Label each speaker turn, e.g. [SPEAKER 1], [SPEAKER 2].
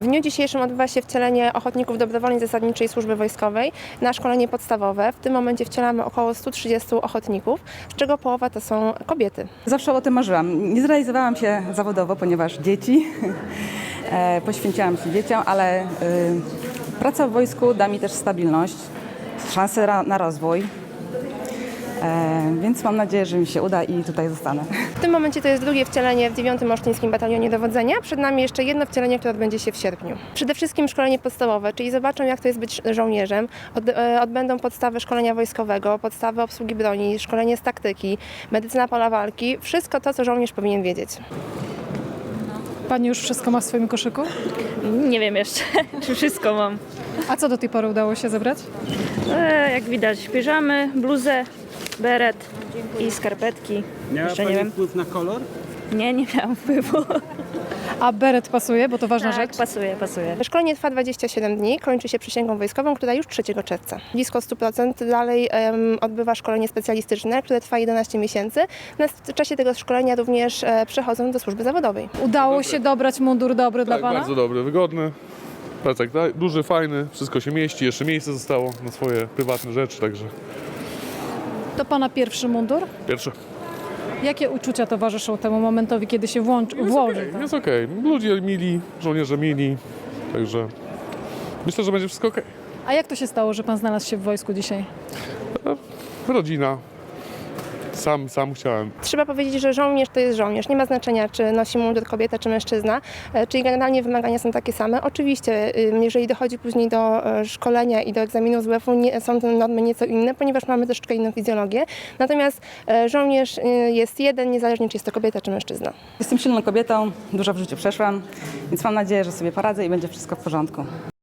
[SPEAKER 1] W dniu dzisiejszym odbywa się wcielenie ochotników dobrowolnej zasadniczej służby wojskowej na szkolenie podstawowe. W tym momencie wcielamy około 130 ochotników, z czego połowa to są kobiety.
[SPEAKER 2] Zawsze o tym marzyłam. Nie zrealizowałam się zawodowo, ponieważ dzieci. Poświęciłam się dzieciom, ale praca w wojsku da mi też stabilność, szansę na rozwój. Więc mam nadzieję, że mi się uda i tutaj zostanę.
[SPEAKER 1] W tym momencie to jest drugie wcielenie w 9. Olsztyńskim Batalionie Dowodzenia. Przed nami jeszcze jedno wcielenie, które odbędzie się w sierpniu. Przede wszystkim szkolenie podstawowe, czyli zobaczą, jak to jest być żołnierzem. Odbędą podstawy szkolenia wojskowego, podstawy obsługi broni, szkolenie z taktyki, medycyna pola walki. Wszystko to, co żołnierz powinien wiedzieć.
[SPEAKER 3] Pani już wszystko ma w swoim koszyku?
[SPEAKER 4] Nie wiem jeszcze, czy wszystko mam.
[SPEAKER 3] A co do tej pory udało się zebrać?
[SPEAKER 4] Jak widać, piżamy, bluzę, beret i skarpetki.
[SPEAKER 5] Miała
[SPEAKER 4] Jeszcze
[SPEAKER 5] Pani
[SPEAKER 4] nie wiem.
[SPEAKER 5] wpływ na kolor?
[SPEAKER 4] Nie miałam wpływu.
[SPEAKER 3] A beret pasuje, bo to ważna
[SPEAKER 4] Tak,
[SPEAKER 3] rzecz.
[SPEAKER 4] pasuje.
[SPEAKER 1] Szkolenie trwa 27 dni, kończy się przysięgą wojskową, która już 3 czerwca. Blisko 100% dalej odbywa szkolenie specjalistyczne, które trwa 11 miesięcy. W czasie tego szkolenia również przechodzą do służby zawodowej.
[SPEAKER 3] Udało się dobrać mundur dobry dla
[SPEAKER 6] Tak,
[SPEAKER 3] Pana?
[SPEAKER 6] bardzo dobry, wygodny. Plecak duży, fajny, wszystko się mieści, jeszcze miejsce zostało na swoje prywatne rzeczy, także
[SPEAKER 3] To Pana pierwszy mundur?
[SPEAKER 6] pierwsze.
[SPEAKER 3] Jakie uczucia towarzyszą temu momentowi, kiedy się włoży?
[SPEAKER 6] Jest okej. Ludzie mili, żołnierze mili, także myślę, że będzie wszystko okej.
[SPEAKER 3] A jak to się stało, że Pan znalazł się w wojsku dzisiaj?
[SPEAKER 6] Rodzina. Sam chciałem.
[SPEAKER 1] Trzeba powiedzieć, że żołnierz to jest żołnierz. Nie ma znaczenia, czy nosi mundur kobieta, czy mężczyzna. Czyli generalnie wymagania są takie same. Oczywiście, jeżeli dochodzi później do szkolenia i do egzaminu z WF-u, są te normy nieco inne, ponieważ mamy troszeczkę inną fizjologię. Natomiast żołnierz jest jeden, niezależnie czy jest to kobieta, czy mężczyzna.
[SPEAKER 2] Jestem silną kobietą, dużo w życiu przeszłam, więc mam nadzieję, że sobie poradzę i będzie wszystko w porządku.